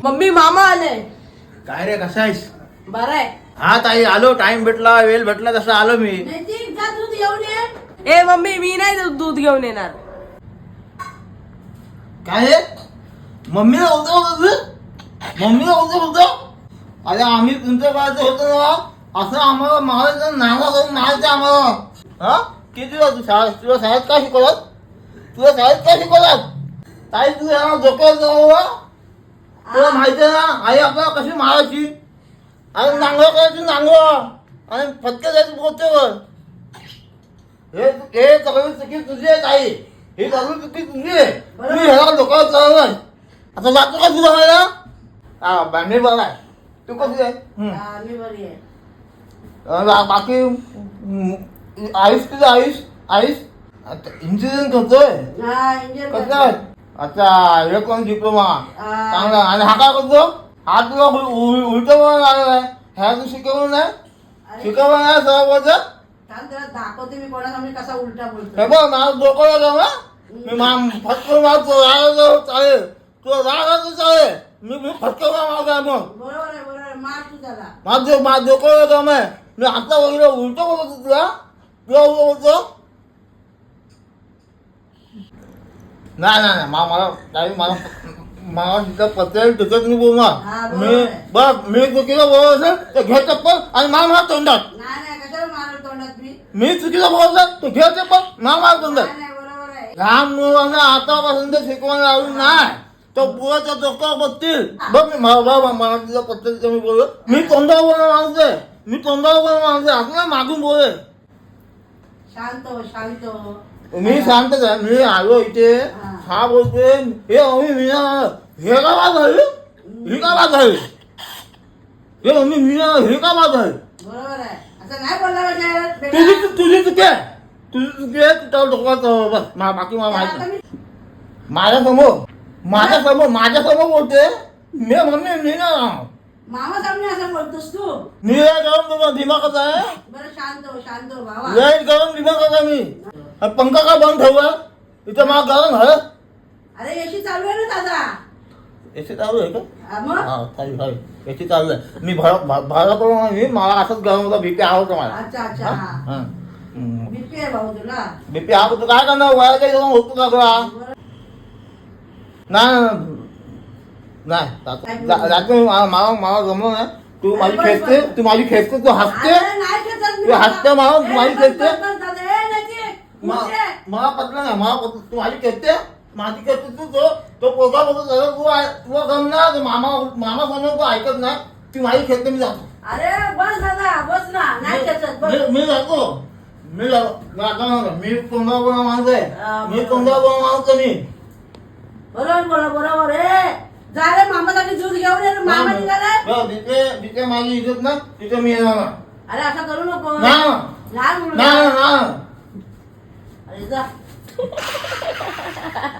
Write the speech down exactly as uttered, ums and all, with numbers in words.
Mummy मामा आले. काय रे कसा आहेस? बरं आहे. हा ताई आलो, टाइम भेटला वेळ भेटला तसं आलो मी. नैतिक जा दूध घेऊन ये. ए मम्मी मी नाही दूध- दूध घेऊन येणार. काय रे मम्मीला बोलतो बोलतो मम्मीला बोलतो बोलतो अरे आम्ही तुमच्या बाजू होतो ना असं आम्हाला मारायचं नावा करून मारायचं आम्हाला. हा किती दिवस तू शाळेत तुला शाळेत काय शिकवत तुला शाळेत काय शिकवत ताई तू यांना डोक्यात जाऊ तुला माहिती आहे ना आई आपल्याला कशी मारायची आणि नांगळ करायची नांगळ आणि फटके द्यायचं बोलतेवर. हे हे सगळी चुकी तुझी आहे ताई ही सगळी चुकी तुझी आहे. तुम्ही ह्याला डोक्यावर चालवलं आता जातो का तुझा व्हायला. हा बँडी बघा तू कशी आहे. हा, मी बरी आहे. अं, बाकी हम्म, आयुष तुझं आयुष आयुष इंजिनिअरिंग करतोय हा, इंजिनियर कसं करतो. आहे? अच्छा इलेक्ट्रॉनिक डिप्लोमा हा. चांगला. आणि हा काय करतो हा तुला उलट आलेला आहे ह्या तू शिकवलं नाही अरे, शिकवलं नाही सगळं बोलतं. थांब जरा दाखवते मी कोणासामने कसा उलटा हे बोलतो. बघ माझं डोकं लागलं ना मी मा- फटकं मारतो रागायचं चालेल तुला रागायचं चालेल मी मी फटकं मारतो मग बरोबर आहे बरोबर आहे. मार तू त्याला. माझं माझं डोकं लागलं आहे मी आता वगैरे उलट बोलतो तुला तुला उलट बोलतो. नाही नाही नाही मा- मला काही मला मला तिथं पत्र तिथं मी हा, बोलणार बरोबर मी आहे. बघ मी चुकीचं बोलत असेल तर घे चप्पल आणि मार मार तोंडात. नाही नाही कशाला मारल तोंडात मी. मी चुकीचं बोलत असेल तर घे चप्पल मार मार तोंडात. नाही नाही बरोबर आहे. लहान मुलांना आतापासून ते शिकवण लावली नाही तो पुराच्या डोक्यावर बसतील. बघ मी मला बघ मला तिथं पत्र मी बोललो मी तोंडावर बोलणं माणूस आहे मी तोंडावर बोलणं माणूस आहे असं नाही मागून बोले. शांत हो शांत हो. मी सांगतो का मी आलो इथे हा बोलतोय हे अमी मी हे का बात झाली ही का बात झाली हे अमी मी हे का बात झाली. बरोबर आहे. असं नाही बोलला पाहिजे तुझी बेटा. तुझी चुकी आहे तुझी चुकी आहे तुझ्या डोक्यात बस मा- बाकी मला आता माहिती मी- माझ्या समोर माझ्या समोर माझ्या समोर बोलते मी मम्मी मी ना मामा सामने असं बोलतोस तू. मी लाईट गरम तुझा दिमागाचा आहे बरं शांत हो शांत हो भावा. लाईट गरम दिमागाचा मी आणि पंखा का बंद ठेवला इथं मला गरम झालं. अरे एसी चालू आहे ना दादा. याची चालू आहे का हा, मग हा चालू आहे याची चालू आहे मी भरा भाडा करून मी मला असंच गरम होता बीपी आवडतो मला. अच्छा अच्छा हा. बीपी आहे भाऊ तुला. बीपी आवडतो काय करणार वया काही जाऊन होतो का तुला बरं. नाही नाही, नाही जा- जातो मी. मला मला मला जमलं नाही तू माझी बस, खेचते बस. तू माझी खेचते तू हसते अरे नाही खेचत मी तू हसते मला ए, तू माझी बस, खेचते बस, बस, दादा. ए, नैतिक, मा- उठ रे. मला पटलं नाही मला पटलं तू माझी खेचते माझी खेचते तू तो तो पोगा बघत झाला तू आहे- तुला गमणार तो मामा मामा समोर तू ऐकत नाही ती माझी खेचते मी जातो अरे बस दादा बस ना नाही खेचत बस. मी मी जातो मी जातो मी आता नाही. मी तोंडावर बोलणं माणूस हा, आहे मी बरोबर. तोंडावर बोलणं माणूस आहे मी. बरोबर बोला बरोबर ए जा रे मामासाठी दूध घेऊन ये रे. मामा निघाला. बरं, जिथे जिथे माझी इज्जत ना तिथे मी येणार नाही. अरे असं करू नको. नाही लहान मुलगा. नाही नाही अरे जा